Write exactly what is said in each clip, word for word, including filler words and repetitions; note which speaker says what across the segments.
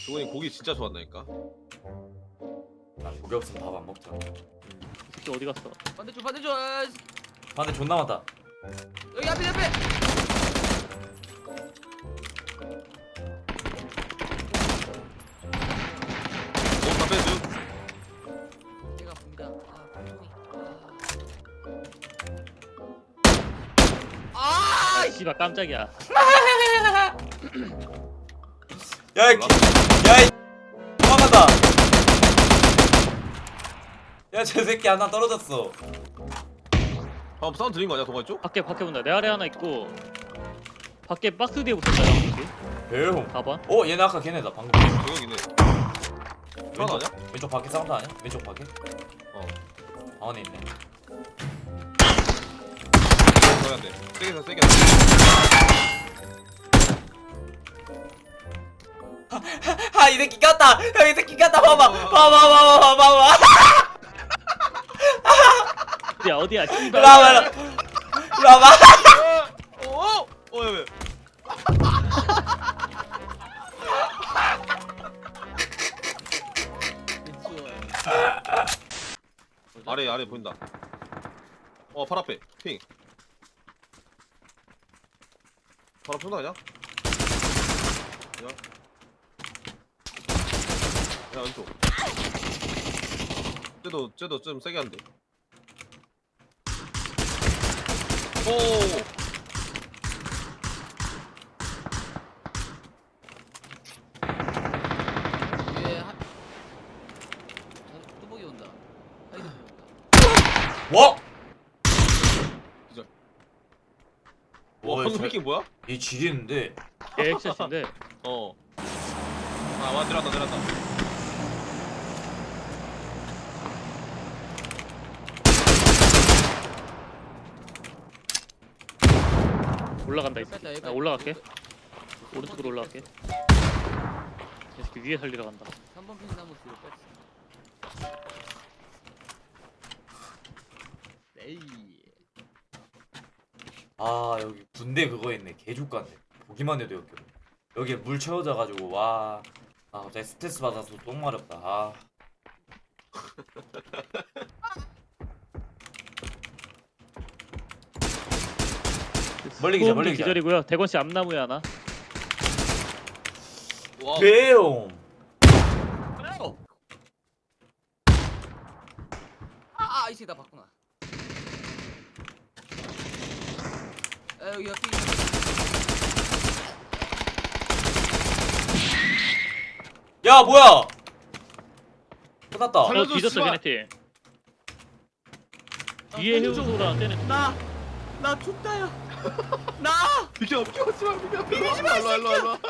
Speaker 1: 종훈이 고기 진짜 좋아한다니까.
Speaker 2: 나 고기 없으면 밥 안 먹잖아.
Speaker 3: 이 새끼 어디 갔어?
Speaker 4: 반대쪽 반대쪽. 아,
Speaker 2: 반대 존나 많다.
Speaker 4: 여기 앞에 앞에.
Speaker 1: 다 빼줘.
Speaker 4: 제가 봅니다. 아 방송이. 아.
Speaker 3: 아 씨발 깜짝이야.
Speaker 2: 야이 야이 도망간다. 야 저 새끼 하나 떨어졌어.
Speaker 1: 방금 사운드 들린 거 아니야 동아 쪽?
Speaker 3: 밖에 밖에 본다. 내 아래 하나 있고 밖에 박스 뒤에 붙었다. 여기
Speaker 2: 배용.
Speaker 3: 사 번.
Speaker 2: 어 얘네 아까 걔네다 방금.
Speaker 1: 저격이네. 하나
Speaker 2: 왼쪽
Speaker 1: 아니야?
Speaker 2: 왼쪽 밖에 사운드 아니야? 왼쪽 밖에?
Speaker 1: 어.
Speaker 2: 방 안에 있네.
Speaker 1: 더 해야 돼. 세게 더 세게.
Speaker 2: 아이 새끼 꼈다. 형 이 새끼 꼈다. 봐봐. 봐봐 봐봐 봐봐 봐봐.
Speaker 3: 어디야 어디야?
Speaker 2: 일로
Speaker 3: 씨발.
Speaker 2: 와봐. 일로 와봐.
Speaker 1: 어? 어? 야 왜? 아래 아래 보인다. 어, 발 앞에 핑. 발 앞에 쏜다 아니야? 야, 야 왼쪽. 쟤도 쟤도 좀 세게 한대. 오.
Speaker 4: 이게 한. 뚜벅이 온다. 아이고.
Speaker 2: 와.
Speaker 1: 기절.
Speaker 2: 와,
Speaker 1: 와 방금
Speaker 2: 저-
Speaker 1: 피킹 뭐야?
Speaker 2: 얘 지리는데.
Speaker 3: 얘 액션인데
Speaker 1: 어. 아, 와 내려간다 내려간다.
Speaker 3: 올라간다 이
Speaker 4: 뺐다,
Speaker 3: 새끼.
Speaker 4: 여기
Speaker 3: 나
Speaker 4: 뺐다.
Speaker 3: 올라갈게. 오른쪽으로 올라갈게. 이 새끼 위에 살리러 간다.
Speaker 4: 삼 번 핑 나무 뒤로 뺐어. 에이.
Speaker 2: 아 여기 군대 그거 있네. 개족같네. 보기만 해도 역겨워. 여기에 물 채워져가지고 와. 아 갑자기 스트레스 받아서 똥 마렵다. 아. 멀리 기자, 멀리 기자.
Speaker 3: 기절이고요. 대건 씨 앞나무에 하나.
Speaker 1: 와.
Speaker 2: 배용.
Speaker 4: 아, 이 새끼 나 봤구나. 아, 여기 옆에.
Speaker 2: 야 뭐야? 끝났다.
Speaker 1: 살려-
Speaker 3: 어
Speaker 1: 살려줘,
Speaker 3: 뒤졌어
Speaker 1: 씨발.
Speaker 3: 걔네 팀. 뒤에 해우소랑 떼는 팀.
Speaker 4: 나, 나 죽다야. 나.
Speaker 1: 비켜 비켜 씨발 비켜 비키지 마. 일로 일로 일로.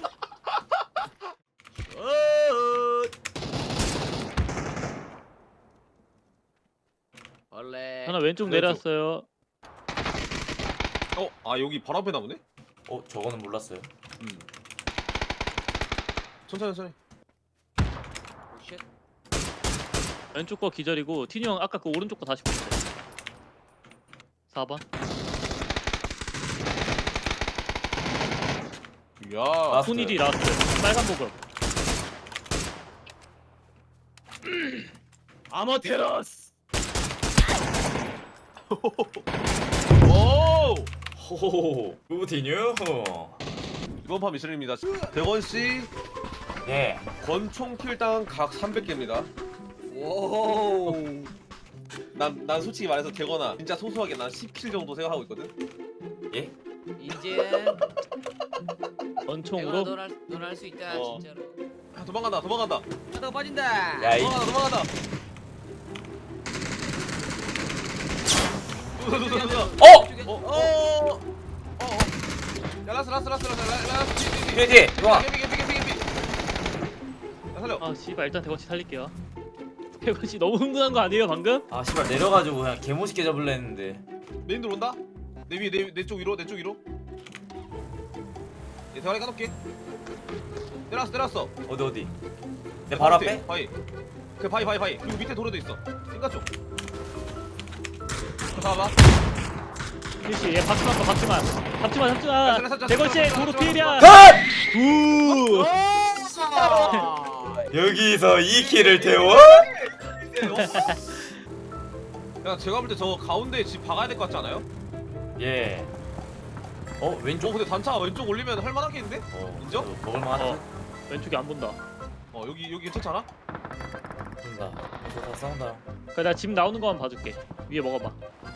Speaker 4: 어. 원래.
Speaker 3: 하나 왼쪽
Speaker 1: 왼쪽.
Speaker 3: 내렸어요.
Speaker 1: 어, 아 여기 바로 앞에 나오네?
Speaker 2: 어 저거는 몰랐어요.
Speaker 1: 음. 천천히 천천히.
Speaker 4: 쉣.
Speaker 3: 왼쪽 거 기절이고 티니 형 아까 그 오른쪽 거 다시 보세요. 사 번.
Speaker 1: 야.
Speaker 2: 아,
Speaker 3: 손일이 나왔어요. 빨간 보급.
Speaker 4: 아마테라스.
Speaker 1: 오.
Speaker 2: 호호호. 우디뉴.
Speaker 1: 이번 판 미션입니다. 대건 씨
Speaker 2: 예.
Speaker 1: 권총 킬당 각 삼백 개입니다. 오. 난, 난 솔직히 말해서 대건아 진짜 소소하게 난 십 킬 정도 생각하고 있거든.
Speaker 2: 예?
Speaker 4: 이제
Speaker 3: 권총으로
Speaker 4: 넌할 수 있다
Speaker 1: 어.
Speaker 4: 진짜로.
Speaker 1: 아, 도망간다 도망간다
Speaker 4: 하다가 빠진다.
Speaker 2: 야 이.
Speaker 1: 도망간다 도망간다. 도도도도도.
Speaker 2: 어!
Speaker 1: 어, 어, 어, 어, 어. 야, 라스, 라스, 라스, 라스, 라스, 라스.
Speaker 2: 뒤에 뒤에. 좋아.
Speaker 1: 개피, 개피, 개피, 개피. 야, 살려.
Speaker 3: 아 씨발 일단 대건 씨 살릴게요. 대건 씨 너무 흥분한 거 아니에요 방금?
Speaker 2: 아 씨발 내려가지고 그냥 개멋있게 잡을라 했는데.
Speaker 1: 메인 들 온다. 내 위에, 내, 내 쪽 위로, 내 쪽 위로. 얘 대가리 까놓게. 내려왔어, 내려왔어.
Speaker 2: 어디 어디? 내 발 앞에?
Speaker 1: 바위. 그 바위, 바위, 바위. 그리고 밑에 도로도 있어. 싱가 쪽. 봐봐.
Speaker 3: 필씨 얘 박지만 봐 박지만. 박지만
Speaker 1: 야,
Speaker 3: 박지만.
Speaker 1: 살려, 살려,
Speaker 3: 대건 씨
Speaker 1: 살려,
Speaker 3: 도로
Speaker 1: 살려,
Speaker 3: 피해야.
Speaker 2: 컷!
Speaker 3: 굿.
Speaker 1: 어!
Speaker 2: 여기서 이 킬을 태워?
Speaker 1: 야 제가 볼 때 저 가운데 집 박아야 될 것 같지 않아요?
Speaker 2: 예. 어
Speaker 1: 어
Speaker 2: 왼쪽?
Speaker 1: 근데 단차 왼쪽 올리면 할만하겠는데?
Speaker 2: 어
Speaker 1: 인정?
Speaker 2: 어, 먹을만하지?
Speaker 3: 어. 왼쪽이 안 본다.
Speaker 1: 어 여기 여기 괜찮잖아?
Speaker 2: 된다. 다 싸운다.
Speaker 3: 그래 나 집 나오는 거만 봐줄게. 위에 먹어봐.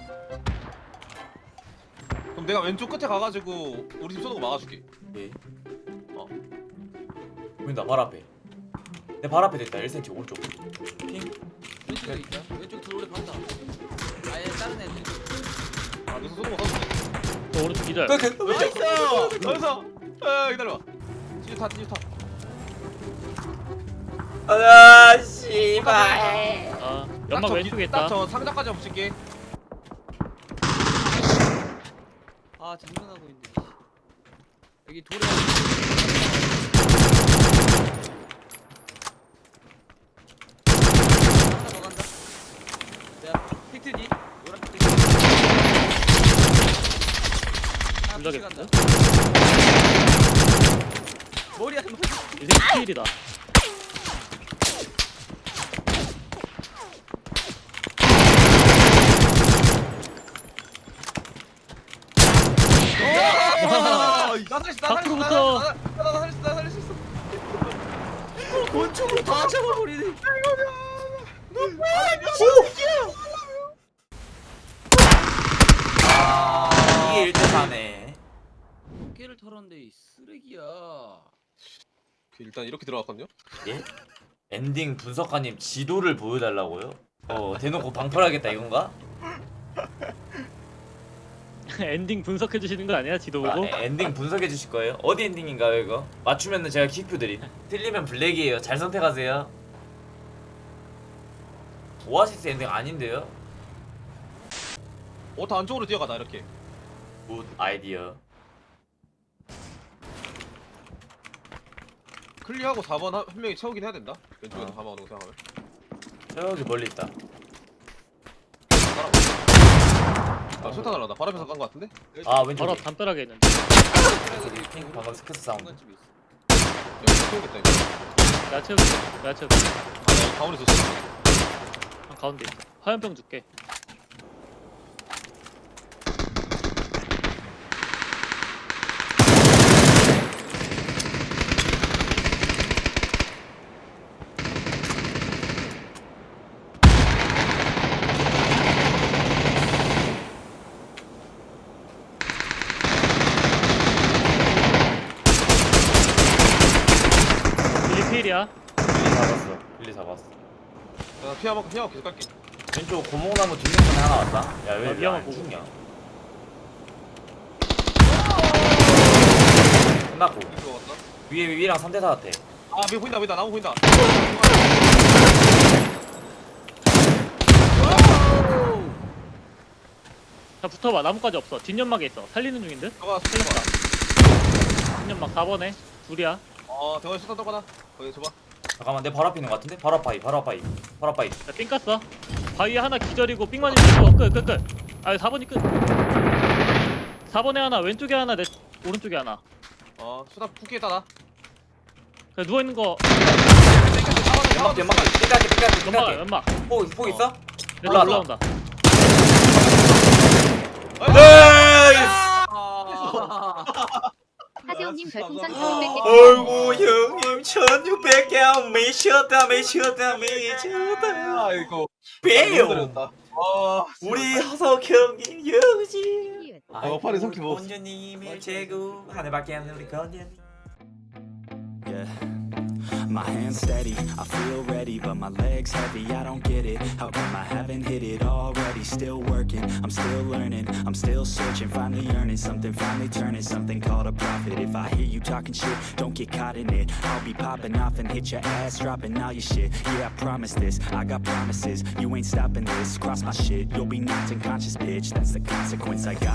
Speaker 1: 그럼 내가 왼쪽 끝에 가가지고 우리 집 쏘는 거 막아줄게.
Speaker 2: 예.
Speaker 1: 어.
Speaker 2: 보인다 발 앞에. 내 발 앞에 됐다. 일 센티미터 오른쪽. 핑.
Speaker 4: 왼쪽에 있다. 왼쪽 들어오래 간다. 아예 다른 애들.
Speaker 1: 아 여기서 쏘는 거 써줄게.
Speaker 3: 저 오른쪽 기절.
Speaker 2: 그, 그, 왼쪽.
Speaker 1: 나이스! 나이스! 아 기다려봐. 뒤에 타 뒤에 타.
Speaker 2: 아 씨발.
Speaker 3: 아 연막 왼쪽에 있다.
Speaker 1: 딱저 상자까지 붙일게.
Speaker 4: 아 장난하고 있네. 여기 돌에. 하나 더 간다. 내가 팩트지. 노란 팩트. 하나
Speaker 3: 둘다
Speaker 4: 푸시
Speaker 3: 겠어?
Speaker 4: 간다. 머리 한 번.
Speaker 3: 이 새끼 피일이다.
Speaker 1: 아, 나 살릴 수 있다. 나 살릴 수 있다.
Speaker 3: 밖으로부터.
Speaker 1: 나- 나- 나 살릴 수 있다. 나 살릴 수 있어.
Speaker 4: 권총으로 다 잡아버리네.
Speaker 2: 아 이게 일 대 사네.
Speaker 4: 어깨를 털었는데 이 쓰레기야.
Speaker 1: 일단 이렇게 들어갔거든요.
Speaker 2: 예? 엔딩 분석가님 지도를 보여달라고요? 어 대놓고 방풀하겠다 이건가?
Speaker 3: 엔딩 분석해 주시는 거 아니야? 지도
Speaker 2: 아,
Speaker 3: 보고.
Speaker 2: 엔딩 분석해 주실 거예요? 어디 엔딩인가요 이거? 맞추면은 제가 킥표 드림. 틀리면 블랙이에요. 잘 선택하세요. 오아시스 엔딩 아닌데요?
Speaker 1: 어, 더 안쪽으로 뛰어가다 이렇게.
Speaker 2: 굿 아이디어.
Speaker 1: 클리어하고 사 번 한, 한 명이 채우긴 해야 된다. 왼쪽에서
Speaker 2: 어.
Speaker 1: 가만히 생각하면.
Speaker 2: 저기 멀리 있다.
Speaker 1: 아, 술탄 날라다. 바로 앞에서 간 거 같은데?
Speaker 2: 아 왼쪽.
Speaker 3: 바로 앞 담벼락에 있는데.
Speaker 2: 핑 방금 스크스 사운드.
Speaker 4: 중간쯤에 있어.
Speaker 1: 여기 채우겠다 이거.
Speaker 3: 내가 채울게. 내가 채울게.
Speaker 1: 아, 나 여기 가운데 있었어.
Speaker 3: 한 가운데 있어. 화염병 줄게. 일리 피일이야.
Speaker 2: 빌리 잡았어. 빌리 잡았어.
Speaker 1: 나 피하 만큼 피하고 계속 갈게.
Speaker 2: 왼쪽 고목나무 뒷면에 하나 왔다. 야왜
Speaker 3: 아,
Speaker 2: 왜
Speaker 3: 미안한
Speaker 2: 안
Speaker 3: 고목.
Speaker 2: 죽냐? 끝났고
Speaker 1: 이거 왔다.
Speaker 2: 위에 위랑 삼 대 사 같아.
Speaker 1: 아, 미 보인다, 보인다. 나무 보인다.
Speaker 3: 자 붙어봐. 나무까지 없어. 뒷연막에 있어. 살리는 중인데?
Speaker 1: 저가 살려봐.
Speaker 3: 뒷연막 사 번에 둘이야.
Speaker 1: 어, 대원 술탄 떠거나. 거기 줘봐.
Speaker 2: 잠깐만 내 바로 앞에 있는 거 같은데? 바로 앞바위 바로 앞바위 바로 앞바위.
Speaker 3: 자, 삥 깠어. 바위에 하나 기절이고 삥만 있고 끝, 끝, 끝. 아, 사 번이 끝. 사 번에 하나, 왼쪽에 하나, 내 오른쪽에 하나.
Speaker 1: 어, 술탄 푸기에 따라.
Speaker 3: 그냥 누워 있는 거
Speaker 2: 연막 연막 삐까게 삐까게
Speaker 3: 연막,
Speaker 2: 삐까게.
Speaker 3: 연막.
Speaker 2: 포, 포 있어?
Speaker 3: 내
Speaker 2: 올라와.
Speaker 3: 올라온다.
Speaker 2: 나이스!
Speaker 1: 아,
Speaker 5: 하세훈님 별풍선
Speaker 1: 감사합니다.
Speaker 5: 천오백 개
Speaker 2: 어이구 형님 천육백 개 미쳤다 미쳤다 미쳤다.
Speaker 1: 아이고.
Speaker 2: 빼요.
Speaker 1: 아,
Speaker 2: 우리 허석 형님 여우지.
Speaker 1: 어, 팔이 삼키 먹었어.
Speaker 2: 원주님의 제구 하늘밖에 안 우리 건년.
Speaker 6: Yeah. My hands steady, I feel ready, but my legs heavy, I don't get it. How come I haven't hit it already? Still working, I'm still learning, I'm still searching, finally earning something, finally turning something called a profit. If I hear you talking shit, don't get caught in it. I'll be popping off and hit your ass, dropping all your shit. Yeah, I promise this, I got promises, you ain't stopping this. Cross my shit, you'll be knocked unconscious, bitch. That's the consequence I got.